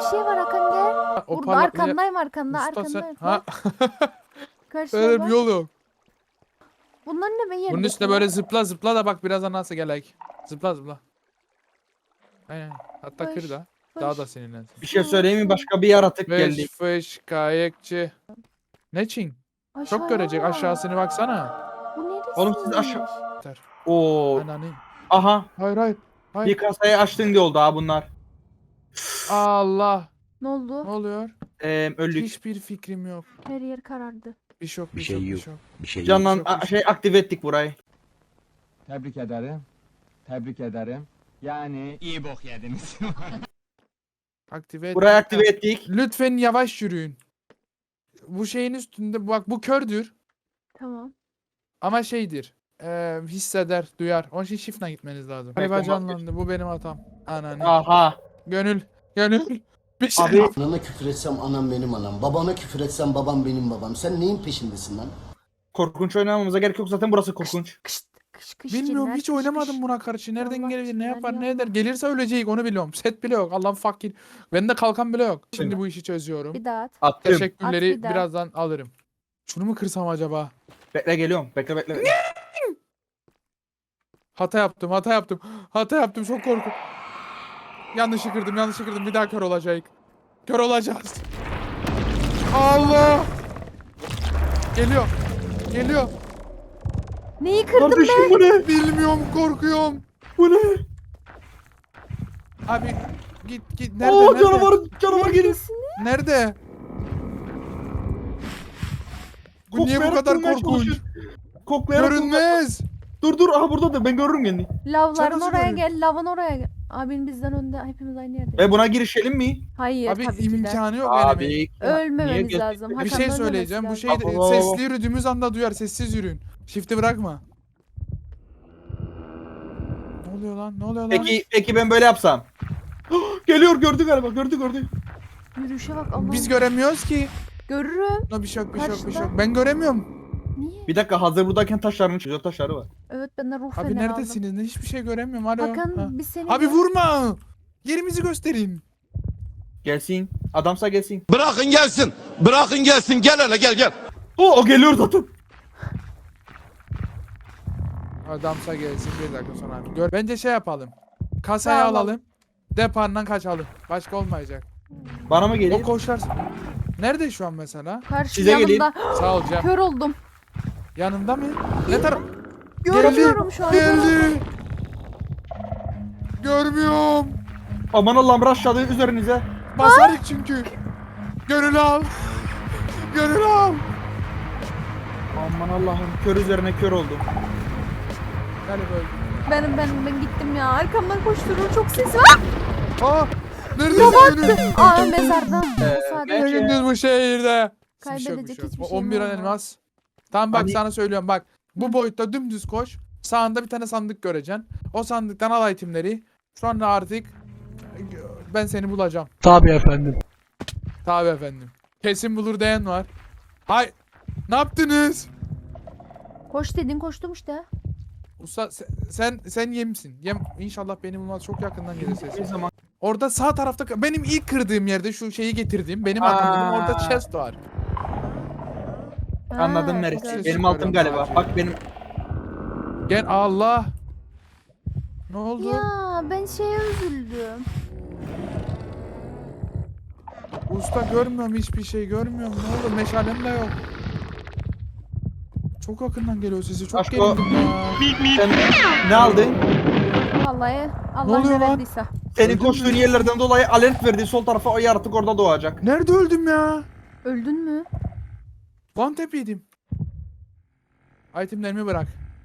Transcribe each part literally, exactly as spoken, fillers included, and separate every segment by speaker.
Speaker 1: şey var Hakan gel.
Speaker 2: Ha, o
Speaker 1: Burada
Speaker 2: parlak-
Speaker 1: arkandayım arkanda
Speaker 2: Usta sen-
Speaker 1: arkandayım.
Speaker 2: Ha.
Speaker 1: Karşıya
Speaker 2: Öyle bir
Speaker 1: bak.
Speaker 2: yol yok.
Speaker 1: Bunlar ne be yerde?
Speaker 2: Bunun üstüne böyle zıpla zıpla da bak birazdan nasıl gelek. Zıpla zıpla. Aynen. Hatta
Speaker 1: Fış,
Speaker 2: kır da. Daha da seninlensin.
Speaker 3: Bir şey söyleyeyim mi? Başka bir yaratık geldi.
Speaker 2: Fış fış kayıkçı. Ne çin?
Speaker 1: Aşağıya
Speaker 2: Çok görecek
Speaker 1: bak.
Speaker 2: aşağısına baksana.
Speaker 1: Bu neresi?
Speaker 3: Oğlum siz aşağı-
Speaker 2: Yeter.
Speaker 3: Oo.
Speaker 2: Ananı.
Speaker 3: Aha.
Speaker 2: Hayır hayır.
Speaker 3: Bir
Speaker 2: Hayır.
Speaker 3: kasayı açtın diye oldu ha bunlar.
Speaker 2: Allah.
Speaker 1: Ne oldu?
Speaker 2: Ne oluyor?
Speaker 3: Ee, öldük.
Speaker 2: Hiçbir fikrim yok.
Speaker 1: Her yer karardı.
Speaker 2: Bir şok bir,
Speaker 4: Bir şey
Speaker 2: şok bir
Speaker 4: yok.
Speaker 2: şok.
Speaker 4: Bir şey yok.
Speaker 3: Canlan
Speaker 2: Çok
Speaker 3: a-
Speaker 2: hoş.
Speaker 3: şey aktive ettik burayı.
Speaker 5: Tebrik ederim. Tebrik ederim. Yani iyi bok yediniz.
Speaker 2: Aktive et.
Speaker 3: Burayı aktive ettik.
Speaker 2: Lütfen yavaş yürüyün. Bu şeyin üstünde bak bu kördür
Speaker 1: Tamam.
Speaker 2: ama şeydir. Eee hisseder, duyar. Onun için shift'le gitmeniz lazım.
Speaker 3: Evet,
Speaker 2: Galiba
Speaker 3: tamam.
Speaker 2: canlandı. Bu benim hatam. Ananı.
Speaker 3: Aha.
Speaker 2: Gönül. Gönül. Bir şey.
Speaker 3: Abi
Speaker 4: Anana küfür etsem anam benim anam. Babana küfür etsem babam benim babam. Sen neyin peşindesin lan?
Speaker 3: korkunç oynamamıza gerek yok zaten burası korkunç.
Speaker 1: Kış kış kış.
Speaker 2: Bilmiyorum
Speaker 1: cinler,
Speaker 2: hiç
Speaker 1: kış,
Speaker 2: oynamadım
Speaker 1: kış.
Speaker 2: buna karşı. Nereden
Speaker 1: Allah
Speaker 2: gelir, ne
Speaker 1: cinler
Speaker 2: yapar, ne
Speaker 1: yapma.
Speaker 2: eder. Gelirse öleceğiz onu biliyorum. Set bile yok. Allah'ım fakir. Bende kalkan bile yok. Şimdi
Speaker 3: Değil
Speaker 2: bu işi çözüyorum.
Speaker 1: Bir daha at.
Speaker 3: Attım.
Speaker 2: Teşekkürleri
Speaker 1: At bir daha.
Speaker 2: birazdan alırım. Şunu mu kırsam acaba?
Speaker 3: Bekle geliyorum. Bekle bekle. bekle.
Speaker 2: Hata yaptım, hata yaptım. Hata yaptım, çok korku. Yanlışı kırdım, yanlışı kırdım. Bir daha kör olacak. Kör olacağız. Allah! Geliyor. Geliyor.
Speaker 1: Neyi kırdın
Speaker 3: Kardeşim
Speaker 1: be?
Speaker 3: bu ne?
Speaker 2: Bilmiyorum, korkuyorum.
Speaker 3: Bu ne?
Speaker 2: Abi git git. Nerede?
Speaker 3: Oo
Speaker 2: nerede?
Speaker 3: canavar canavar geliyor.
Speaker 1: Neredesin?
Speaker 2: Nerede? Bu niye bu
Speaker 3: Koklayarak
Speaker 2: kadar
Speaker 3: bulmaya
Speaker 2: korkunç?
Speaker 3: çalışıyor. Koklayarak bulmaya-
Speaker 2: Görünmez.
Speaker 3: Dur dur aha buradadır ben görürüm kendini.
Speaker 1: Lavların
Speaker 2: nasıl
Speaker 1: oraya
Speaker 2: görüyorsun?
Speaker 1: gel. Lavın oraya gel. Abin bizden önde. Hepimiz aynı yerde.
Speaker 3: E buna girişelim mi?
Speaker 1: Hayır
Speaker 2: Abi
Speaker 1: tabii ki de.
Speaker 2: imkanı yok benim.
Speaker 3: Abi. niye
Speaker 1: Ölmememiz
Speaker 3: geç-
Speaker 1: lazım.
Speaker 2: Bir
Speaker 1: Hakan'ın
Speaker 2: şey
Speaker 1: ölmemesi
Speaker 2: söyleyeceğim. Bu
Speaker 1: lazım.
Speaker 2: şey
Speaker 3: Abo, abo.
Speaker 2: sesli yürüdüğümüz anda duyar. Sessiz yürüyün. Shift'i bırakma. Ne oluyor lan? Ne oluyor lan?
Speaker 3: Peki peki ben böyle yapsam. Geliyor gördü galiba gördü gördü.
Speaker 1: Yürüyüşe bak Allah'ım.
Speaker 2: Biz göremiyoruz ki.
Speaker 1: Görürüm.
Speaker 2: No, bir şey yok, bir şey yok, bir şey
Speaker 1: Karşıda.
Speaker 2: yok. Ben göremiyorum.
Speaker 1: Niye?
Speaker 3: Bir dakika hazır buradayken taşlarının çözüyor taşları var.
Speaker 1: Evet ben de ruh
Speaker 2: Abi
Speaker 1: feneri aldım.
Speaker 2: neredesiniz? Ne hiçbir şey göremiyorum. Alo.
Speaker 1: Hakan
Speaker 2: Ha.
Speaker 1: biz seni...
Speaker 2: Abi vurma. Yerimizi gösterin.
Speaker 3: Gelsin. Adamsa gelsin.
Speaker 6: Bırakın gelsin. Bırakın gelsin. Gel hele gel gel.
Speaker 3: Oo o geliyor zaten.
Speaker 2: Adamsa gelsin bir dakika sonra. Abi. Gör. Bence şey yapalım. Kasayı
Speaker 1: Tamam.
Speaker 2: alalım. Depardan kaçalım. Başka olmayacak.
Speaker 3: Bana mı
Speaker 2: O
Speaker 3: geliyor?
Speaker 2: koşar. Nerede şu an mesela?
Speaker 1: Karşı
Speaker 3: Size geleyim.
Speaker 1: yanımda.
Speaker 2: Sağ ol Cem.
Speaker 1: Kör oldum.
Speaker 2: Yanımda mı? Ne taraf?
Speaker 1: Görmüyorum şu an.
Speaker 2: Geldi. Görmüyorum.
Speaker 3: Aman Allah'ım aşağıda üzerinize.
Speaker 2: Basarık çünkü. Gönül al. Gönül al.
Speaker 3: Aman Allah'ım kör üzerine kör oldum.
Speaker 2: Gel böyle.
Speaker 1: Benim ben ben gittim ya. Arkamdan koşturur çok ses var.
Speaker 2: Aa! Neredesin Gönül?
Speaker 1: Aa mezardan.
Speaker 3: Ee,
Speaker 1: Sadece
Speaker 2: Ne gündüz bu şehirde?
Speaker 1: Kaybedecek
Speaker 2: Bir şey yok, bir şey yok.
Speaker 1: hiçbir
Speaker 2: O
Speaker 1: şeyim
Speaker 2: on bir an
Speaker 1: olmaz.
Speaker 2: elmas. Tamam bak
Speaker 3: Hani-
Speaker 2: sana söylüyorum bak. Bu boyutta dümdüz koş. Sağında bir tane sandık göreceksin. O sandıktan al itemleri. Sonra artık ben seni bulacağım.
Speaker 5: Tabii efendim.
Speaker 2: Tabii efendim. Kesin bulur diyen var. Hay. Ne yaptınız?
Speaker 1: Koş dedin koştum işte.
Speaker 2: Usta sen sen, sen yemsin. Yem inşallah beni bulmaz çok yakından gelir
Speaker 3: Bir
Speaker 2: sesi.
Speaker 3: zaman.
Speaker 2: Orada sağ tarafta benim ilk kırdığım yerde şu şeyi getirdiğim benim
Speaker 3: Aa.
Speaker 2: arkamda orada chest var.
Speaker 1: Ha,
Speaker 3: Anladım neresi.
Speaker 1: gördüm.
Speaker 3: Benim altım galiba. Bak benim.
Speaker 2: Gel Allah. Ne oldu?
Speaker 1: Ya ben şeye üzüldüm.
Speaker 2: Usta görmüyorum hiçbir şey görmüyorum. Ne oldu? Meşalem de yok. Çok yakından geliyor sesi. Çok
Speaker 3: Aşko.
Speaker 2: gerildim ya.
Speaker 3: Sen ne aldın?
Speaker 1: Vallahi Allah
Speaker 2: oluyor
Speaker 1: ne
Speaker 2: lan?
Speaker 1: verdiyse.
Speaker 3: Senin
Speaker 2: Öldün
Speaker 3: koştuğun
Speaker 2: mü?
Speaker 3: yerlerden dolayı alert verdi. Sol tarafa o yaratık orada doğacak.
Speaker 2: Nerede öldüm ya?
Speaker 1: Öldün mü?
Speaker 2: One tap yedim. Itemlerimi bırak.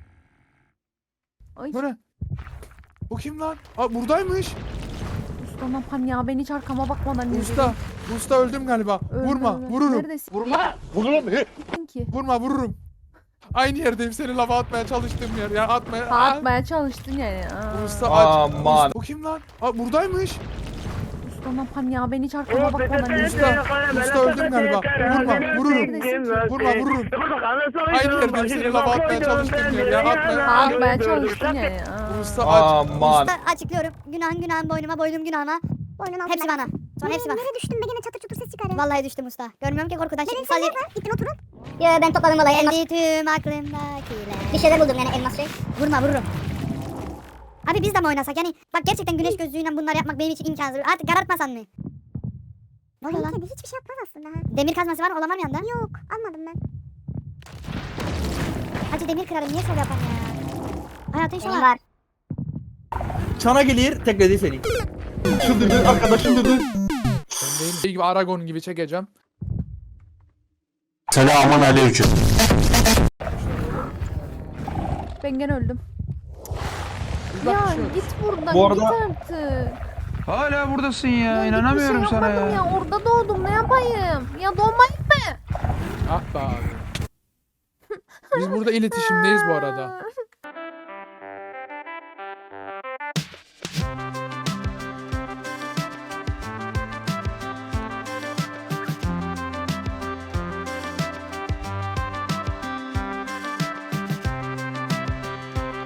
Speaker 1: Ay
Speaker 2: Bu ne? Bu kim lan? Aa buradaymış.
Speaker 1: usta ne yapan ya ben hiç arkama bakmadan yürüdüm.
Speaker 2: Usta. Usta öldüm galiba.
Speaker 1: Öldü,
Speaker 2: Vurma.
Speaker 1: öldü.
Speaker 2: Vururum.
Speaker 1: Neredesin
Speaker 6: Vurma. Vururum.
Speaker 1: ki?
Speaker 2: Vurma vururum. Aynı yerdeyim seni lava atmaya çalıştığım yer. Ya atmaya.
Speaker 1: Ha,
Speaker 2: Aa.
Speaker 1: atmaya çalıştın yani. Aa.
Speaker 2: Usta aç.
Speaker 3: Aman.
Speaker 2: Usta, bu kim lan? Aa buradaymış.
Speaker 1: Usta ne yapan ya ben hiç arkama bakmadan yürüdüm.
Speaker 2: Usta. Usta öldüm galiba. Vurma. Vururum. Vurma vururum. Aynı yerdeyim seni lava atmaya çalıştığım yer. Ya atmaya.
Speaker 1: Ha, atmaya çalıştın yani. Aa.
Speaker 2: Usta aç.
Speaker 3: Aman.
Speaker 7: Açıklıyorum. Günahın günahın boynuma, boynum günahına. Boynun altına. Hepsi bana. Sonra hepsi bak.
Speaker 8: Nereye düştün be gene çatır çutur ses çıkarıyor.
Speaker 7: Vallahi düştüm usta. Görmüyorum ki korkudan.
Speaker 8: Nereye
Speaker 7: Şimdi
Speaker 8: sen
Speaker 7: sadece...
Speaker 8: nerede? Gittin oturun.
Speaker 7: Yo ben topladım vallahi elmas. Tüm aklımdakiler. Bir şeyler buldum yani elmas şey. Vurma vururum. Abi biz de mi oynasak yani bak gerçekten güneş gözlüğüyle bunları yapmak benim için imkansız. Artık karartmasan mı? Ne oluyor lan?
Speaker 8: Kedi hiçbir şey yapmaz aslında ha.
Speaker 7: Demir kazması var mı? Olan var mı yanında?
Speaker 8: Yok almadım ben.
Speaker 7: Hacı demir kırarım niye şov yapan ya? Hayatın şu
Speaker 8: Benim
Speaker 7: var.
Speaker 3: Çana gelir tek dedi seni. Çıldırdı arkadaşım dedi.
Speaker 2: Ben değilim. Şey gibi Aragon gibi çekeceğim.
Speaker 6: Selamun aleyküm.
Speaker 1: Ben gene öldüm.
Speaker 2: Biz bak
Speaker 1: Ya
Speaker 2: düşüyoruz.
Speaker 1: git buradan
Speaker 3: Bu arada-
Speaker 1: git artık.
Speaker 9: Hala buradasın ya,
Speaker 1: Ya
Speaker 9: inanamıyorum
Speaker 1: hiçbir şey
Speaker 9: sana
Speaker 1: yapmadım
Speaker 9: ya.
Speaker 1: ya. Orada doğdum ne yapayım? Ya doğmayayım mı?
Speaker 2: Ah be abi. Biz burada iletişimdeyiz bu arada.